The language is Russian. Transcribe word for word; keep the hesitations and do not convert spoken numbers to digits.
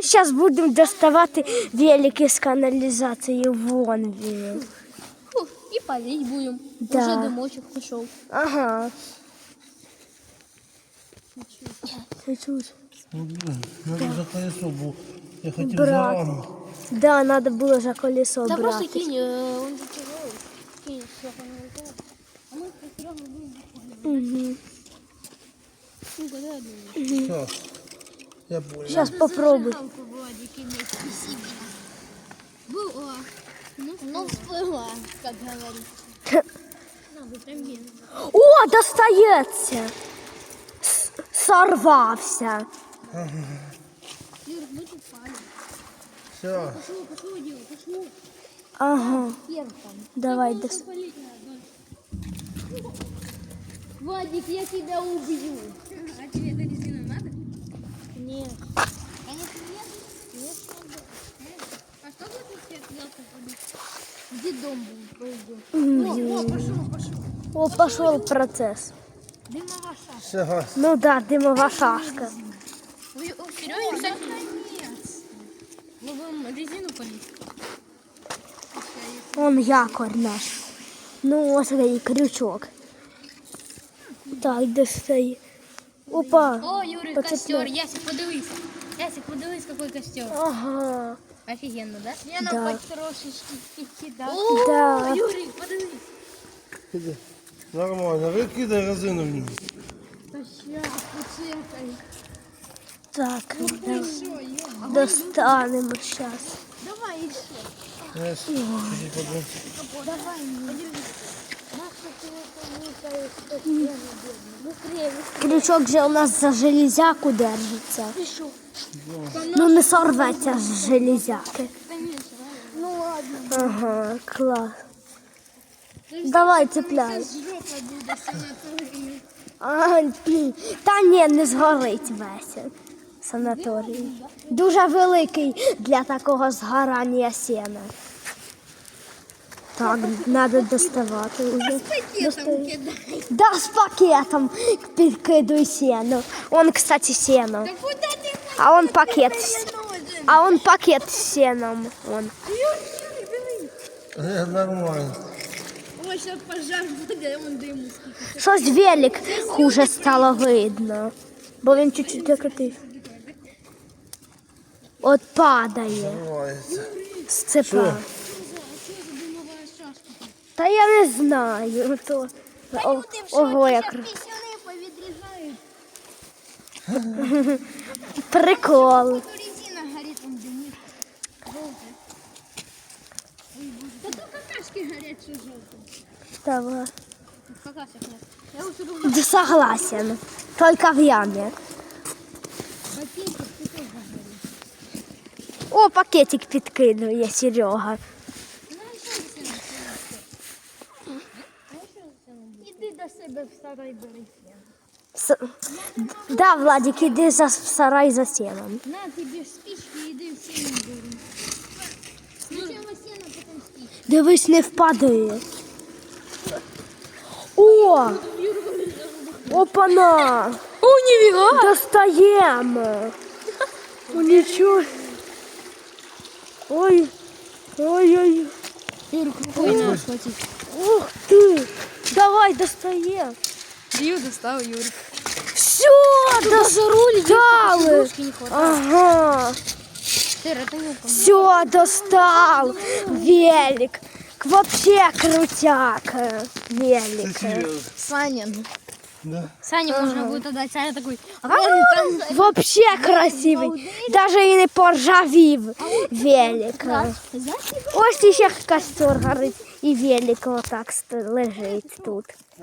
Зараз будемо доставати велики з каналізації. Вон він. Фу, і палить будемо. Да. Уже димочок пішов. Ага. Це тут. Ну, блин, надо за колесо было. Я хотел Брат. за раму. Да, треба було за колесо Да просто брати. кинь, э, он же тяжелый. Кинь, все, он А мы с Серегой будем. Угу. Ну, когда я думаю. Сейчас. Я понял. Зараз попробуй. Зажигалку, Владик, иметь. Спасибо. Была. Ну, ну всплыла, как говорится. Надо там О, достається. С- Сорвався. Юр, мы тут пали. Все. Пошло, пошло, дело, пошло. Ага. Пер там. Давай, Просто дос... полить надо. Владик, я тебя убью. А тебе эта резина надо? Нет. Конечно, нет. Нет, надо. А что бы ты все отвязка ходить? Где дом был? О, о, пошел, пошел. О, пішов процес. Дымовая шашка. Все. Ну да, димова шашка. Ой, о, Серега, кстати, мы будем резину полить. Вон якорь наш. Ну, ось такий крючок. Так, достає. Опа. О, Юрий, Поцепляй. костер. Ясик, подивись. Ясик, подивись, какой костер. Ага. Офигенно, да? Я Да. на потрошечки кидал. Да. О, Юрий, подивись. Иди. Нормально. Выкидай резину в нее. Да сейчас, поцепай. Так, да. Еще, ё. Достанемо зараз. Давай еще. Yes. Иди подумай. Давай, подержи. Наша ты Быстрее, быстрее. Крючок же у нас за железяку держиться. Пишу. Ну не сорветься з железяки. Конечно. Ну ладно. Ага, клас. Давай, цепляй. Жопа буде санаторії. А, блін. Та ні, не згорить весь санаторій. Дуже великий для такого згорання сена. Так, треба доставати вже. Пакетом кидай. Да, з пакетом підкидуй сено. Он, кстати, сено. Да куда ты А он пакет. с- ножик? А он пакет з сеном. Он. Юрий, Юрий, диви. Э, Нормально. Ой, сейчас пожар буде, он диму скільки. Щось велик хуже стало видно. Бо він чуть-чуть закритив. От падає Открывается. з цепа. Що? А що це димова шашка? Та я не знаю. То... О, ого, як Пісюни повідрізають. прикол. Тут резина горить, он димить. Жовтий. Ой, боже. Та то какашки горять, що жовтий. Давай. Какашек нет. Я уже думаю, Да, согласен. Только в яме. пакетик, ти теж горить. О, пакетик підкидує Серега. Іди до себе в сарай бери. С... Да, Владик, іди за в сарай за сеном. На тобі спички, іди в сіну бери. Спочатку сіно, потім спички. Дивись, не впадає. О! Опана! О, ніфіга! Достаємо! О, нічого. Ой, ой-ой. Юрик, рукой надо схватить. Ух ти! Давай, достаємо. Дію достав, Юрик. Все, достали. Ручки не хватает. Ага. Сыр, это не Все, достал. Велик. Вообще крутяк. Велик. Серьезно. Саня. Да. Саня можно будет отдать. Саня такой, а он там... Вообще красивий. Даже і не поржавів велик. Ось ще костер горить і велик отак ст- лежить тут.